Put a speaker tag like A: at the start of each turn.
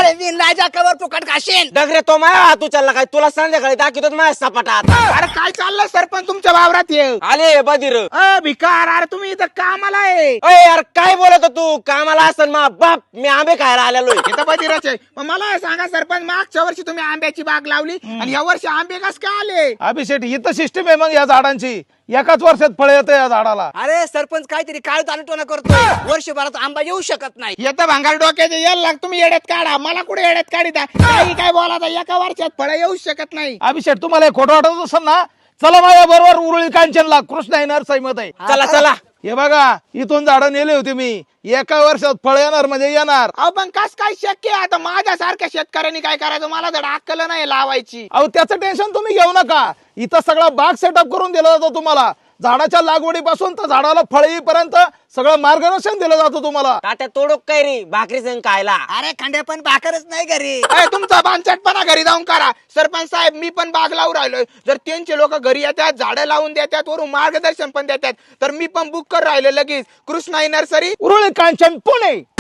A: अरे विन राजा कवर फुकट खाशीन.
B: डगरे तो माझ्या हात उचलला काय तुला संध्याकाळी दाखवतो माझ्या सपाटात.
C: अरे काय चाललंय सरपंच तुमच्या वावरात ये.
B: आले बधीर.
C: भिकार अरे तुम्ही इथं कामाला आहे.
B: अय यार काय बोलत होता तू कामाला असन मा बाप मी आंबे खायला आलेलोय.
C: इथं बधीरच आहे. मग मला हे सांगा सरपंच मागच्या वर्षी तुम्ही आंब्याची बाग लावली आणि या वर्षी आंबे कस काय आले.
D: अभिषेक इथं सिस्टीम आहे मग या झाडांची एकाच वर्षात फळ येतं या झाडाला.
A: अरे सरपंच काहीतरी काळ तालटोना करतोय. वर्षभरात आंबा येऊ शकत नाही.
C: येतं भांगार डोक्याचे यायला लाग तुम्ही येड्यात काढा. मला कुठे येड्यात काढिता काही काय बोलाता एका वर्षात फळ येऊ शकत नाही.
D: अभिषेक तुम्हाला हे खोटं वाटत असेल ना चला माझ्या बरोबर उरुळी कांचनला कृष्ण नरसाई मत आहे.
B: चला चला.
D: हे बघा इथून झाडं नेले होते मी एका वर्षात फळ येणार म्हणजे येणार.
C: अहो पण कस काय शक्य आहे. आता माझ्यासारख्या शेतकऱ्यांनी काय करायचं मला धड अक्कल नाही लावायची.
D: अहो त्याचं टेन्शन तुम्ही घेऊ नका. इथं सगळा बाग सेटअप करून दिला जातो तुम्हाला. झाडाच्या लागवडीपासून तर झाडाला फळ येईपर्यंत सगळं मार्गदर्शन दिलं जातं तुम्हाला.
B: तात्या तोडूक काय रे भाकरी संग खायला.
A: अरे खंडे पण भाकरच नाही घरी.
C: तुमचा बांचटपणा घरी जाऊन करा. सरपंच साहेब मी पण बाग लावून राहिलोय. जर त्यांचे लोक घरी येतात झाडं लावून देतात वरून मार्गदर्शन पण देतात तर मी पण बुक कर राहिलो लगेच कृष्णाई नर्सरी
D: उरुळी कांचन पुणे.